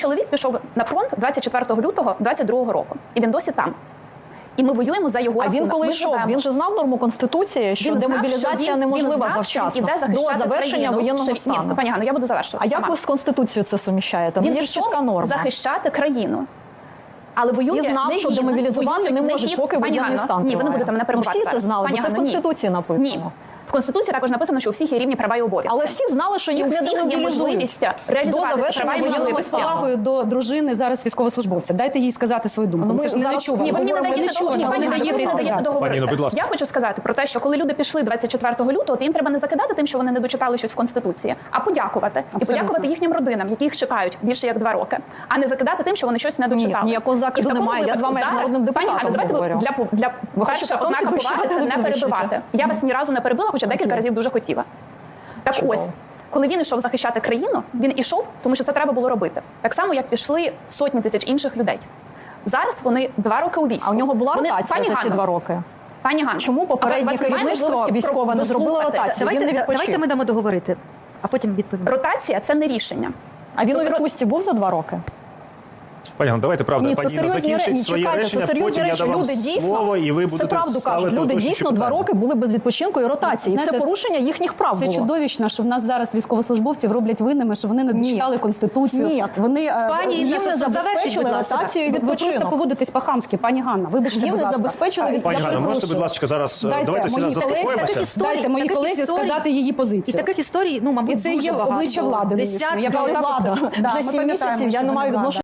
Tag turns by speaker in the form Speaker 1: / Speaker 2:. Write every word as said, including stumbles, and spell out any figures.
Speaker 1: Чоловік пішов на фронт двадцять четвертого лютого двадцять другого року, і він досі там. І ми воюємо за його рахунок.
Speaker 2: А він коли
Speaker 1: ми
Speaker 2: йшов,
Speaker 1: живемо.
Speaker 2: він же знав норму Конституції, що
Speaker 1: Він знав,
Speaker 2: демобілізація
Speaker 1: що він,
Speaker 2: неможлива
Speaker 1: він знав,
Speaker 2: завчасно,
Speaker 1: що він іде захищати
Speaker 2: до завершення
Speaker 1: країну,
Speaker 2: воєнного
Speaker 1: що...
Speaker 2: стану.
Speaker 1: Ні, пані Ганно, я буду завершувати
Speaker 2: А
Speaker 1: сама.
Speaker 2: як ви з Конституцією це суміщаєте?
Speaker 1: Він
Speaker 2: Є ж чітка
Speaker 1: пішов
Speaker 2: норма.
Speaker 1: захищати країну. Але воює
Speaker 2: І знав,
Speaker 1: не
Speaker 2: що
Speaker 1: він,
Speaker 2: демобілізувати
Speaker 1: воюють
Speaker 2: не
Speaker 1: не
Speaker 2: можуть,
Speaker 1: ті...
Speaker 2: поки
Speaker 1: Пані
Speaker 2: воєнний
Speaker 1: Ганно,
Speaker 2: стан
Speaker 1: ні, ви не
Speaker 2: триває.
Speaker 1: будете мене
Speaker 2: Ну,
Speaker 1: перебувати.
Speaker 2: всі це знали,
Speaker 1: Пані
Speaker 2: бо це в
Speaker 1: Ганно, ні.
Speaker 2: Конституції написано.
Speaker 1: Ні. В Конституції також написано, що у всіх є рівні права і обов'язки.
Speaker 2: Але всі знали, що їх
Speaker 1: і у
Speaker 2: не
Speaker 1: всіх є
Speaker 2: демобілізують.
Speaker 1: можливість реалізувати ці права і
Speaker 2: воєнного
Speaker 1: можливості.
Speaker 2: стану.
Speaker 3: З повагою до дружини зараз військовослужбовця. Дайте їй сказати свою думку.
Speaker 2: Ну, ми
Speaker 3: Це ж не
Speaker 2: зараз-
Speaker 3: нечувано.
Speaker 1: Ні, ви мені не
Speaker 3: Говоримо,
Speaker 1: даєте
Speaker 3: нечувано,
Speaker 1: договорити.
Speaker 3: ви не
Speaker 1: Пані
Speaker 3: даєте
Speaker 1: Ганно, ви
Speaker 3: їй
Speaker 1: не даєте
Speaker 3: сказати.
Speaker 1: договорити.
Speaker 4: Пані, ну, будь ласка.
Speaker 1: Я хочу сказати про те, що коли люди пішли двадцять четвертого лютого, то їм треба не закидати тим, що вони не дочитали щось в Конституції, а подякувати. І
Speaker 3: Абсолютно.
Speaker 1: подякувати їхнім родинам, які їх чекають більше як два роки, а не закидати тим, що вони щось не дочитали.
Speaker 2: ніякого закиду
Speaker 1: І в такому
Speaker 2: немає. Я з вами як
Speaker 1: випадку
Speaker 2: народним
Speaker 1: зараз, пані
Speaker 2: депутатом
Speaker 1: Ганно, давайте
Speaker 2: говорю.
Speaker 1: ви для, для
Speaker 2: Ви
Speaker 1: перша
Speaker 2: хочете
Speaker 1: ознака
Speaker 2: потім
Speaker 1: поваги це не
Speaker 2: підвищувати?
Speaker 1: перебивати. Я вас ні разу не перебила, хоча декілька разів дуже хотіла. Так
Speaker 2: Чудово.
Speaker 1: ось, коли він йшов захищати країну, він ішов, тому що це треба було робити. Так само, як пішли сотні тисяч інших людей. Зараз вони два роки у війську.
Speaker 2: А у нього була
Speaker 1: Вони-
Speaker 2: ротація
Speaker 1: Пані
Speaker 2: за ці
Speaker 1: Ганно,
Speaker 2: два роки?
Speaker 1: Пані Ганно,
Speaker 2: Чому попереднє
Speaker 1: а у вас немає
Speaker 2: керівництво
Speaker 1: можливості
Speaker 2: військове не зробило
Speaker 1: дослухати?
Speaker 2: ротацію?
Speaker 5: Давайте,
Speaker 2: Він не
Speaker 5: да-
Speaker 2: відпочив.
Speaker 5: давайте ми дамо договорити, а потім відповімо.
Speaker 1: Ротація – це не рішення.
Speaker 2: А він у
Speaker 1: Тобто-
Speaker 2: відпустці був за два роки?
Speaker 4: Пані Ганно, давайте, правда,
Speaker 2: Ні, це
Speaker 4: пані Інна
Speaker 2: серйозні
Speaker 4: закінчить
Speaker 2: речі.
Speaker 4: своє
Speaker 2: Чекайте,
Speaker 4: речення,
Speaker 2: це серйозні
Speaker 4: потім я
Speaker 2: речі.
Speaker 4: дам вам
Speaker 2: Люди дійсно,
Speaker 4: слово, і ви
Speaker 2: це
Speaker 4: будете
Speaker 2: правду кажуть,
Speaker 4: ставити
Speaker 2: люди
Speaker 4: уточнюючі
Speaker 2: дійсно два
Speaker 4: питання.
Speaker 2: роки були без відпочинку і ротації. І це
Speaker 3: Знаєте,
Speaker 2: порушення їхніх прав
Speaker 3: Це
Speaker 2: було.
Speaker 3: чудовищно, що в нас зараз військовослужбовців роблять винними, що вони не
Speaker 2: Ні.
Speaker 3: дочитали Конституцію.
Speaker 2: Ні.
Speaker 3: Вони е,
Speaker 5: Пані
Speaker 3: їм
Speaker 5: Інна,
Speaker 3: не
Speaker 5: завершіть,
Speaker 3: забезпечили
Speaker 5: будь ласка.
Speaker 3: ротацію і
Speaker 2: Ви
Speaker 3: ви просто
Speaker 2: відпочинок.
Speaker 3: поводитесь по-хамськи, пані Ганна. Вибачте,
Speaker 2: Їм
Speaker 3: будь
Speaker 2: не
Speaker 3: ласка.
Speaker 2: забезпечили
Speaker 3: А,
Speaker 2: від-
Speaker 4: Пані
Speaker 2: Я
Speaker 4: Ганно, можете,
Speaker 2: перепрошую.
Speaker 4: будь ласка, зараз
Speaker 3: Дайте
Speaker 4: давайте всі
Speaker 3: моїй
Speaker 4: зараз
Speaker 3: колезі-
Speaker 4: заспокоїмося.
Speaker 5: таких історій,
Speaker 3: Дайте моїй
Speaker 5: таких
Speaker 3: колезі
Speaker 5: історій.
Speaker 3: сказати її
Speaker 5: І
Speaker 3: позицію.
Speaker 5: таких історій, ну, мабуть,
Speaker 3: І це
Speaker 5: дуже
Speaker 3: є
Speaker 5: багато.
Speaker 3: обличчя влади нинішньої,
Speaker 5: Десятки.
Speaker 3: яка
Speaker 2: Яка
Speaker 3: отак от-
Speaker 2: влада?
Speaker 3: Да,
Speaker 2: Вже
Speaker 3: ми
Speaker 2: сім
Speaker 3: пам'ятаємо,
Speaker 2: місяців я
Speaker 3: що
Speaker 2: не
Speaker 3: вона
Speaker 2: маю
Speaker 3: влада.
Speaker 2: відношення